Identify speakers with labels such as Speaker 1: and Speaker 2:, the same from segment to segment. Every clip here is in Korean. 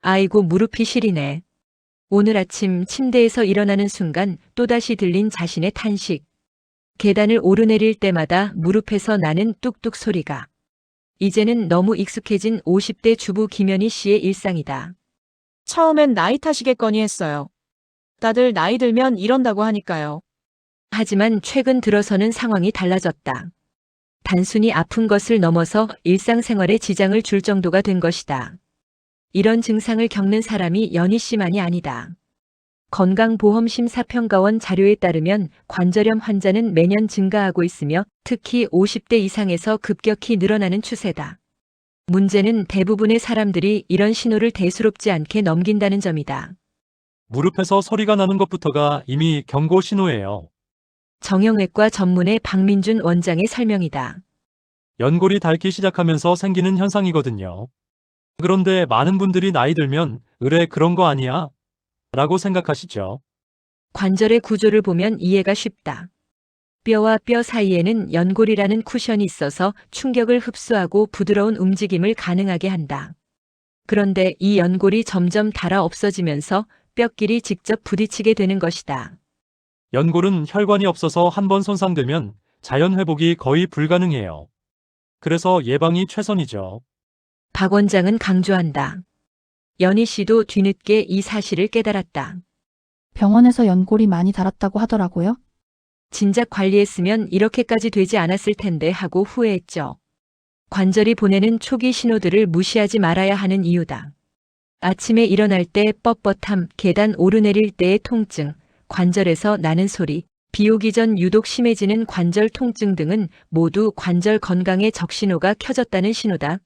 Speaker 1: 아이고 무릎이 시리네. 오늘 아침 침대에서 일어나는 순간 또다시 들린 자신의 탄식. 계단을 오르내릴 때마다 무릎에서 나는 뚝뚝 소리가. 이제는 너무 익숙해진 50대 주부 김연희 씨의 일상이다.
Speaker 2: 처음엔 나이 탓이겠거니 했어요. 다들 나이 들면 이런다고 하니까요.
Speaker 1: 하지만 최근 들어서는 상황이 달라졌다. 단순히 아픈 것을 넘어서 일상생활에 지장을 줄 정도가 된 것이다. 이런 증상을 겪는 사람이 연희 씨만이 아니다. 건강보험심사평가원 자료에 따르면 관절염 환자는 매년 증가하고 있으며 특히 50대 이상에서 급격히 늘어나는 추세다. 문제는 대부분의 사람들이 이런 신호를 대수롭지 않게 넘긴다는 점이다.
Speaker 3: 무릎에서 소리가 나는 것부터가 이미 경고 신호예요.
Speaker 1: 정형외과 전문의 박민준 원장의 설명이다.
Speaker 3: 연골이 닳기 시작하면서 생기는 현상이거든요. 그런데 많은 분들이 나이 들면 의뢰 그런 거 아니야? 라고 생각하시죠.
Speaker 1: 관절의 구조를 보면 이해가 쉽다. 뼈와 뼈 사이에는 연골이라는 쿠션이 있어서 충격을 흡수하고 부드러운 움직임을 가능하게 한다. 그런데 이 연골이 점점 닳아 없어지면서 뼈끼리 직접 부딪히게 되는 것이다.
Speaker 3: 연골은 혈관이 없어서 한번 손상되면 자연 회복이 거의 불가능해요. 그래서 예방이 최선이죠.
Speaker 1: 박 원장은 강조한다. 연희 씨도 뒤늦게 이 사실을 깨달았다.
Speaker 4: 병원에서 연골이 많이 닳았다고 하더라고요.
Speaker 1: 진작 관리했으면 이렇게까지 되지 않았을 텐데 하고 후회했죠. 관절이 보내는 초기 신호들을 무시하지 말아야 하는 이유다. 아침에 일어날 때 뻣뻣함, 계단 오르내릴 때의 통증, 관절에서 나는 소리, 비 오기 전 유독 심해지는 관절 통증 등은 모두 관절 건강의 적신호가 켜졌다는 신호다.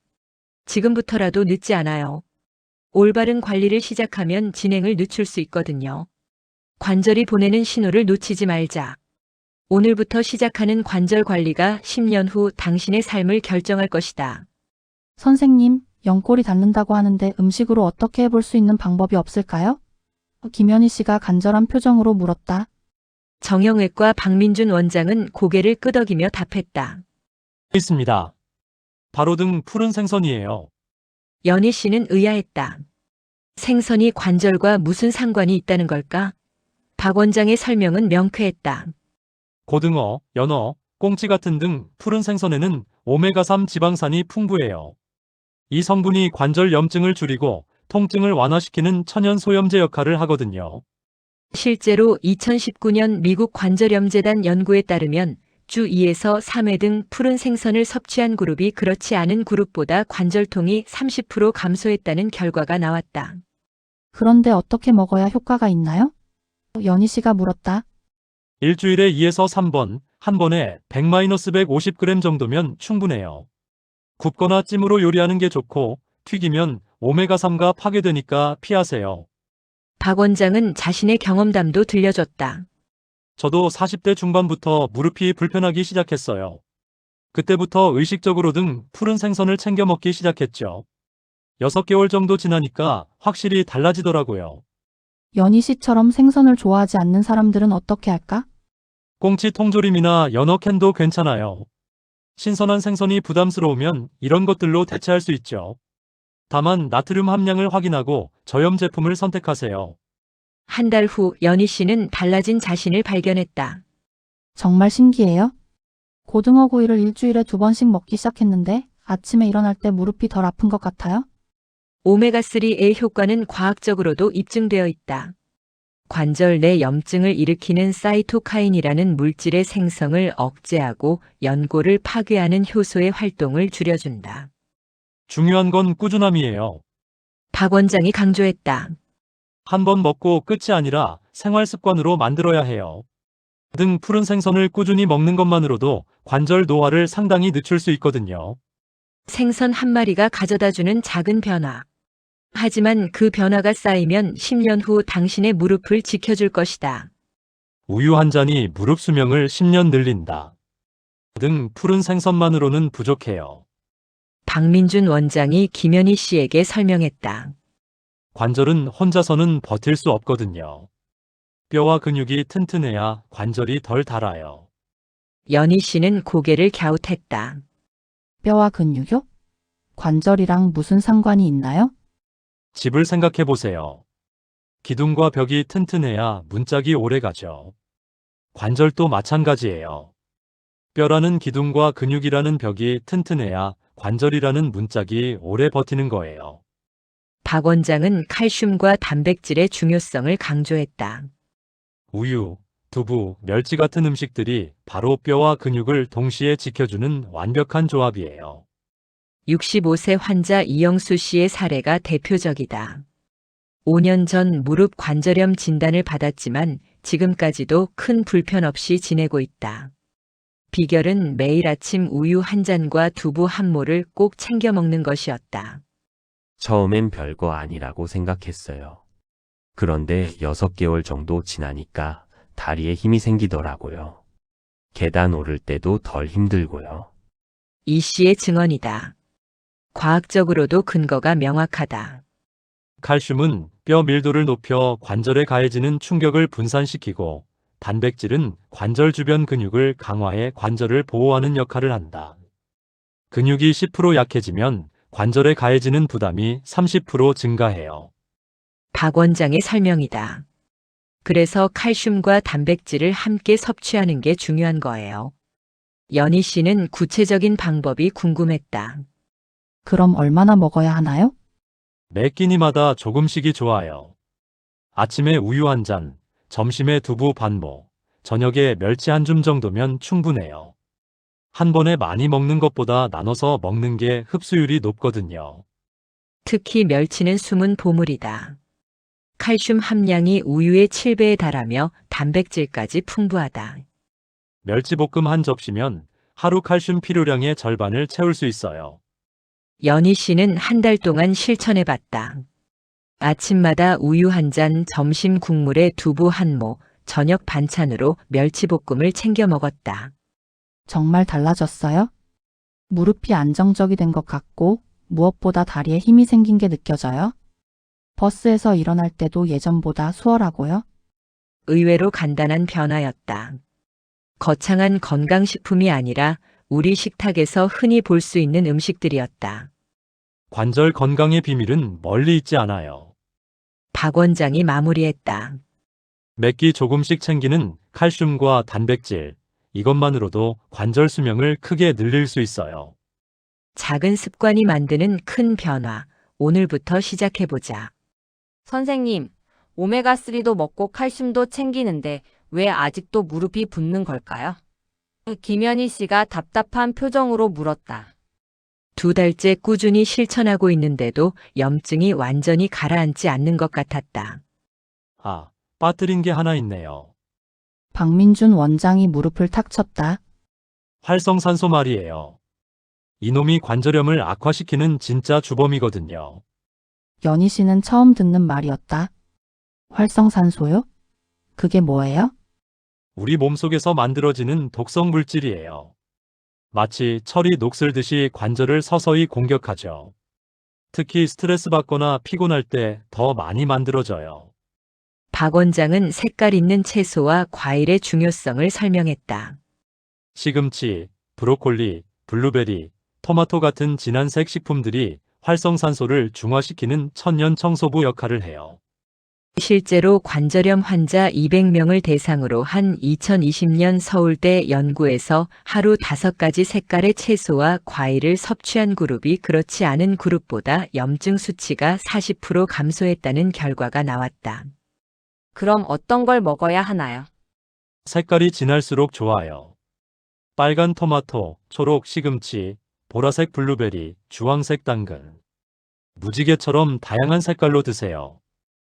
Speaker 1: 지금부터라도 늦지 않아요. 올바른 관리를 시작하면 진행을 늦출 수 있거든요. 관절이 보내는 신호를 놓치지 말자. 오늘부터 시작하는 관절 관리가 10년 후 당신의 삶을 결정할 것이다.
Speaker 4: 선생님, 연골이 닳는다고 하는데 음식으로 어떻게 해볼 수 있는 방법이 없을까요? 김연희 씨가 간절한 표정으로 물었다.
Speaker 1: 정형외과 박민준 원장은 고개를 끄덕이며 답했다.
Speaker 3: 있습니다. 바로 등 푸른 생선이에요.
Speaker 1: 연희 씨는 의아했다. 생선이 관절과 무슨 상관이 있다는 걸까? 박 원장의 설명은 명쾌했다.
Speaker 3: 고등어, 연어, 꽁치 같은 등 푸른 생선에는 오메가3 지방산이 풍부해요. 이 성분이 관절 염증을 줄이고 통증을 완화시키는 천연 소염제 역할을 하거든요.
Speaker 1: 실제로 2019년 미국 관절염재단 연구에 따르면 주 2에서 3회 등 푸른 생선을 섭취한 그룹이 그렇지 않은 그룹보다 관절통이 30% 감소했다는 결과가 나왔다.
Speaker 4: 그런데 어떻게 먹어야 효과가 있나요? 연희 씨가 물었다.
Speaker 3: 일주일에 2에서 3번, 한 번에 100-150g 정도면 충분해요. 굽거나 찜으로 요리하는 게 좋고 튀기면 오메가3가 파괴되니까 피하세요.
Speaker 1: 박 원장은 자신의 경험담도 들려줬다.
Speaker 3: 저도 40대 중반부터 무릎이 불편하기 시작했어요. 그때부터 의식적으로든 푸른 생선을 챙겨 먹기 시작했죠. 6개월 정도 지나니까 확실히 달라지더라고요.
Speaker 4: 연희 씨처럼 생선을 좋아하지 않는 사람들은 어떻게 할까?
Speaker 3: 꽁치 통조림이나 연어 캔도 괜찮아요. 신선한 생선이 부담스러우면 이런 것들로 대체할 수 있죠. 다만 나트륨 함량을 확인하고 저염 제품을 선택하세요.
Speaker 1: 한 달 후 연희 씨는 달라진 자신을 발견했다.
Speaker 4: 정말 신기해요. 고등어 구이를 일주일에 2번씩 먹기 시작했는데 아침에 일어날 때 무릎이 덜 아픈 것 같아요.
Speaker 1: 오메가3의 효과는 과학적으로도 입증되어 있다. 관절 내 염증을 일으키는 사이토카인이라는 물질의 생성을 억제하고 연골을 파괴하는 효소의 활동을 줄여준다.
Speaker 3: 중요한 건 꾸준함이에요.
Speaker 1: 박 원장이 강조했다.
Speaker 3: 한 번 먹고 끝이 아니라 생활 습관으로 만들어야 해요. 등 푸른 생선을 꾸준히 먹는 것만으로도 관절 노화를 상당히 늦출 수 있거든요.
Speaker 1: 생선 한 마리가 가져다주는 작은 변화. 하지만 그 변화가 쌓이면 10년 후 당신의 무릎을 지켜줄 것이다.
Speaker 3: 우유 한 잔이 무릎 수명을 10년 늘린다. 등 푸른 생선만으로는 부족해요.
Speaker 1: 박민준 원장이 김연희 씨에게 설명했다.
Speaker 3: 관절은 혼자서는 버틸 수 없거든요. 뼈와 근육이 튼튼해야 관절이 덜 닳아요.
Speaker 1: 연희 씨는 고개를 갸웃했다.
Speaker 4: 뼈와 근육요? 관절이랑 무슨 상관이 있나요?
Speaker 3: 집을 생각해 보세요. 기둥과 벽이 튼튼해야 문짝이 오래 가죠. 관절도 마찬가지예요. 뼈라는 기둥과 근육이라는 벽이 튼튼해야 관절이라는 문짝이 오래 버티는 거예요.
Speaker 1: 박 원장은 칼슘과 단백질의 중요성을 강조했다.
Speaker 3: 우유, 두부, 멸치 같은 음식들이 바로 뼈와 근육을 동시에 지켜주는 완벽한 조합이에요.
Speaker 1: 65세 환자 이영수 씨의 사례가 대표적이다. 5년 전 무릎 관절염 진단을 받았지만 지금까지도 큰 불편 없이 지내고 있다. 비결은 매일 아침 우유 한 잔과 두부 한 모를 꼭 챙겨 먹는 것이었다.
Speaker 5: 처음엔 별거 아니라고 생각했어요. 그런데 6개월 정도 지나니까 다리에 힘이 생기더라고요. 계단 오를 때도 덜 힘들고요.
Speaker 1: 이 씨의 증언이다. 과학적으로도 근거가 명확하다.
Speaker 3: 칼슘은 뼈 밀도를 높여 관절에 가해지는 충격을 분산시키고, 단백질은 관절 주변 근육을 강화해 관절을 보호하는 역할을 한다. 근육이 10% 약해지면 관절에 가해지는 부담이 30% 증가해요.
Speaker 1: 박 원장의 설명이다. 그래서 칼슘과 단백질을 함께 섭취하는 게 중요한 거예요. 연희 씨는 구체적인 방법이 궁금했다.
Speaker 4: 그럼 얼마나 먹어야 하나요?
Speaker 3: 매 끼니마다 조금씩이 좋아요. 아침에 우유 한 잔, 점심에 두부 반모, 저녁에 멸치 한 줌 정도면 충분해요. 한 번에 많이 먹는 것보다 나눠서 먹는 게 흡수율이 높거든요.
Speaker 1: 특히 멸치는 숨은 보물이다. 칼슘 함량이 우유의 7배에 달하며 단백질까지 풍부하다.
Speaker 3: 멸치볶음 한 접시면 하루 칼슘 필요량의 절반을 채울 수 있어요.
Speaker 1: 연희 씨는 한 달 동안 실천해 봤다. 아침마다 우유 한 잔, 점심 국물에 두부 한 모, 저녁 반찬으로 멸치볶음을 챙겨 먹었다.
Speaker 4: 정말 달라졌어요? 무릎이 안정적이 된 것 같고 무엇보다 다리에 힘이 생긴 게 느껴져요? 버스에서 일어날 때도 예전보다 수월하고요.
Speaker 1: 의외로 간단한 변화였다. 거창한 건강식품이 아니라 우리 식탁에서 흔히 볼 수 있는 음식들이었다.
Speaker 3: 관절 건강의 비밀은 멀리 있지 않아요.
Speaker 1: 박 원장이 마무리했다.
Speaker 3: 몇 끼 조금씩 챙기는 칼슘과 단백질, 이것만으로도 관절 수명을 크게 늘릴 수 있어요.
Speaker 1: 작은 습관이 만드는 큰 변화. 오늘부터 시작해보자.
Speaker 6: 선생님, 오메가3도 먹고 칼슘도 챙기는데 왜 아직도 무릎이 붓는 걸까요? 김연희 씨가 답답한 표정으로 물었다.
Speaker 1: 2달째 꾸준히 실천하고 있는데도 염증이 완전히 가라앉지 않는 것 같았다.
Speaker 3: 아, 빠뜨린 게 하나 있네요.
Speaker 4: 박민준 원장이 무릎을 탁 쳤다.
Speaker 3: 활성산소 말이에요. 이놈이 관절염을 악화시키는 진짜 주범이거든요.
Speaker 4: 연희 씨는 처음 듣는 말이었다. 활성산소요? 그게 뭐예요?
Speaker 3: 우리 몸속에서 만들어지는 독성 물질이에요. 마치 철이 녹슬듯이 관절을 서서히 공격하죠. 특히 스트레스 받거나 피곤할 때 더 많이 만들어져요.
Speaker 1: 박 원장은 색깔 있는 채소와 과일의 중요성을 설명했다.
Speaker 3: 시금치, 브로콜리, 블루베리, 토마토 같은 진한색 식품들이 활성산소를 중화시키는 천연 청소부 역할을 해요.
Speaker 1: 실제로 관절염 환자 200명을 대상으로 한 2020년 서울대 연구에서 하루 5가지 색깔의 채소와 과일을 섭취한 그룹이 그렇지 않은 그룹보다 염증 수치가 40% 감소했다는 결과가 나왔다.
Speaker 6: 그럼 어떤 걸 먹어야 하나요?
Speaker 3: 색깔이 진할수록 좋아요. 빨간 토마토, 초록 시금치, 보라색 블루베리, 주황색 당근. 무지개처럼 다양한 색깔로 드세요.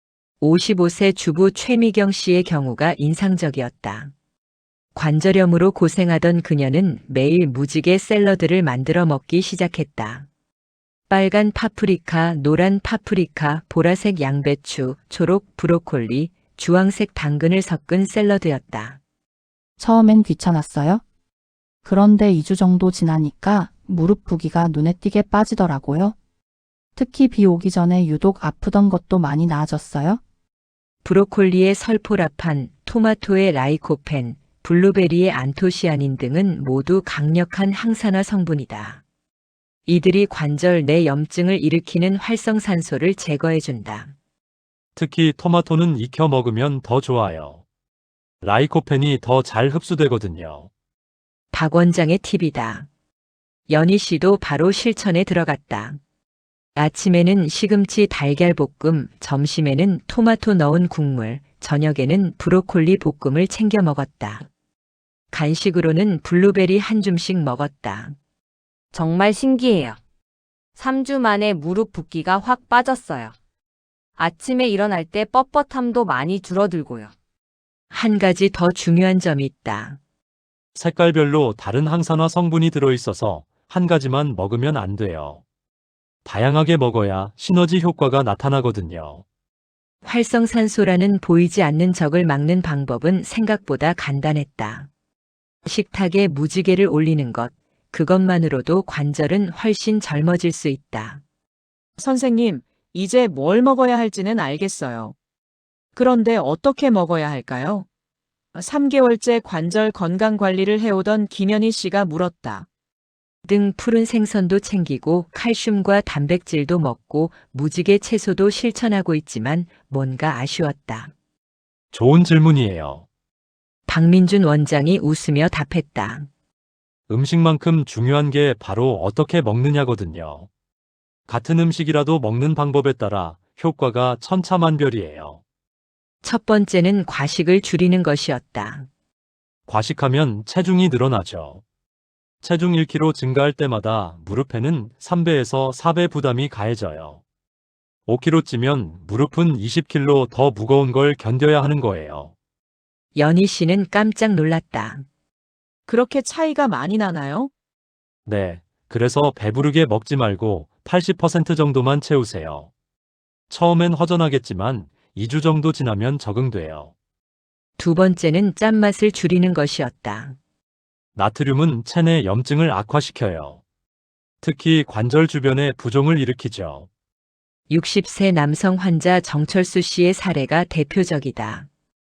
Speaker 1: 55세 주부 최미경 씨의 경우가 인상적이었다. 관절염으로 고생하던 그녀는 매일 무지개 샐러드를 만들어 먹기 시작했다. 빨간 파프리카, 노란 파프리카, 보라색 양배추, 초록 브로콜리, 주황색 당근을 섞은 샐러드였다.
Speaker 4: 처음엔 귀찮았어요? 그런데 2주 정도 지나니까 무릎 부기가 눈에 띄게 빠지더라고요. 특히 비 오기 전에 유독 아프던 것도 많이 나아졌어요.
Speaker 1: 브로콜리의 설포라판, 토마토의 라이코펜, 블루베리의 안토시아닌 등은 모두 강력한 항산화 성분이다. 이들이 관절 내 염증을 일으키는 활성산소를 제거해준다.
Speaker 3: 특히 토마토는 익혀 먹으면 더 좋아요. 라이코펜이 더 잘 흡수되거든요.
Speaker 1: 박 원장의 팁이다. 연희 씨도 바로 실천에 들어갔다. 아침에는 시금치 달걀 볶음, 점심에는 토마토 넣은 국물, 저녁에는 브로콜리 볶음을 챙겨 먹었다. 간식으로는 블루베리 한 줌씩 먹었다.
Speaker 6: 정말 신기해요. 3주 만에 무릎 붓기가 확 빠졌어요. 아침에 일어날 때 뻣뻣함도 많이 줄어들고요.
Speaker 1: 한 가지 더 중요한 점이 있다.
Speaker 3: 색깔별로 다른 항산화 성분이 들어있어서 한 가지만 먹으면 안 돼요. 다양하게 먹어야 시너지 효과가 나타나거든요.
Speaker 1: 활성산소라는 보이지 않는 적을 막는 방법은 생각보다 간단했다. 식탁에 무지개를 올리는 것, 그것만으로도 관절은 훨씬 젊어질 수 있다.
Speaker 2: 선생님, 이제 뭘 먹어야 할지는 알겠어요. 그런데 어떻게 먹어야 할까요? 3개월째 관절 건강 관리를 해오던 김연희 씨가 물었다.
Speaker 1: 등 푸른 생선도 챙기고 칼슘과 단백질도 먹고 무지개 채소도 실천하고 있지만 뭔가 아쉬웠다.
Speaker 3: 좋은 질문이에요.
Speaker 1: 박민준 원장이 웃으며 답했다.
Speaker 3: 음식만큼 중요한 게 바로 어떻게 먹느냐거든요. 같은 음식이라도 먹는 방법에 따라 효과가 천차만별이에요.
Speaker 1: 첫 번째는 과식을 줄이는 것이었다.
Speaker 3: 과식하면 체중이 늘어나죠. 체중 1kg 증가할 때마다 무릎에는 3배에서 4배 부담이 가해져요. 5kg 찌면 무릎은 20kg 더 무거운 걸 견뎌야 하는 거예요.
Speaker 1: 연희 씨는 깜짝 놀랐다.
Speaker 2: 그렇게 차이가 많이 나나요?
Speaker 3: 네, 그래서 배부르게 먹지 말고 80% 정도만 채우세요. 처음엔 허전하겠지만 2주 정도 지나면 적응돼요.
Speaker 1: 두 번째는 짠맛을 줄이는 것이었다.
Speaker 3: 나트륨은 체내 염증을 악화시켜요. 특히 관절 주변에 부종을 일으키죠.
Speaker 1: 60세 남성 환자 정철수 씨의 사례가 대표적이다.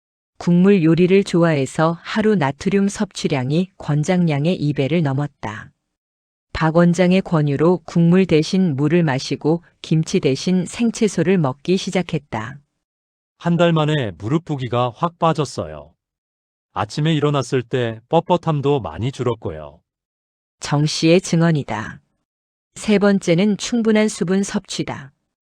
Speaker 1: 국물 요리를 좋아해서 하루 나트륨 섭취량이 권장량의 2배를 넘었다. 박 원장의 권유로 국물 대신 물을 마시고 김치 대신 생채소를 먹기 시작했다.
Speaker 3: 한 달 만에 무릎 부기가 확 빠졌어요. 아침에 일어났을 때 뻣뻣함도 많이 줄었고요.
Speaker 1: 정 씨의 증언이다. 세 번째는 충분한 수분 섭취다.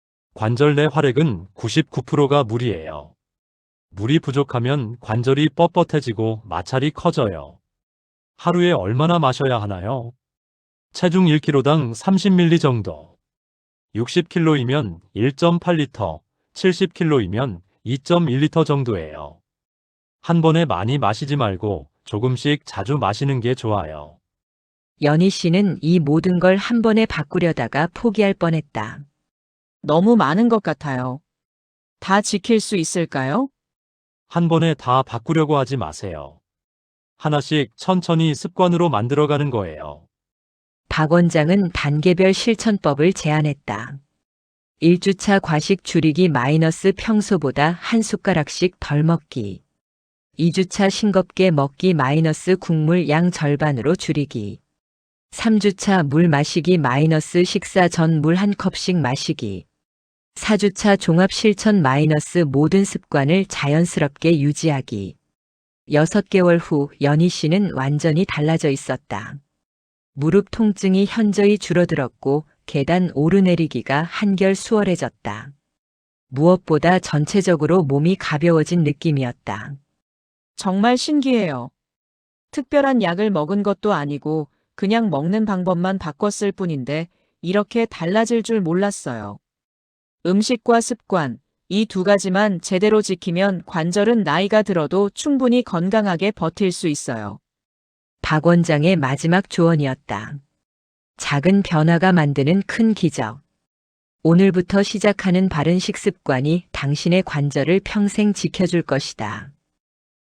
Speaker 3: 관절 내 활액은 99%가 물이에요. 물이 부족하면 관절이 뻣뻣해지고 마찰이 커져요. 하루에 얼마나 마셔야 하나요? 체중 1kg당 30ml 정도. 60kg이면 1.8리터, 70kg이면 2.1리터 정도예요. 한 번에 많이 마시지 말고 조금씩 자주 마시는 게 좋아요.
Speaker 1: 연희 씨는 이 모든 걸 한 번에 바꾸려다가 포기할 뻔했다.
Speaker 2: 너무 많은 것 같아요. 다 지킬 수 있을까요?
Speaker 3: 한 번에 다 바꾸려고 하지 마세요. 하나씩 천천히 습관으로 만들어가는 거예요.
Speaker 1: 박 원장은 단계별 실천법을 제안했다. 1주차 과식 줄이기 마이너스 평소보다 한 숟가락씩 덜 먹기. 2주차 싱겁게 먹기 마이너스 국물 양 절반으로 줄이기. 3주차 물 마시기 마이너스 식사 전 물 한 컵씩 마시기. 4주차 종합 실천 마이너스 모든 습관을 자연스럽게 유지하기. 6개월 후 연희 씨는 완전히 달라져 있었다. 무릎 통증이 현저히 줄어들었고 계단 오르내리기가 한결 수월해졌다. 무엇보다 전체적으로 몸이 가벼워진 느낌이었다.
Speaker 2: 정말 신기해요. 특별한 약을 먹은 것도 아니고 그냥 먹는 방법만 바꿨을 뿐인데 이렇게 달라질 줄 몰랐어요. 음식과 습관, 이 두 가지만 제대로 지키면 관절은 나이가 들어도 충분히 건강하게 버틸 수 있어요.
Speaker 1: 박 원장의 마지막 조언이었다. 작은 변화가 만드는 큰 기적. 오늘부터 시작하는 바른 식습관이 당신의 관절을 평생 지켜줄 것이다.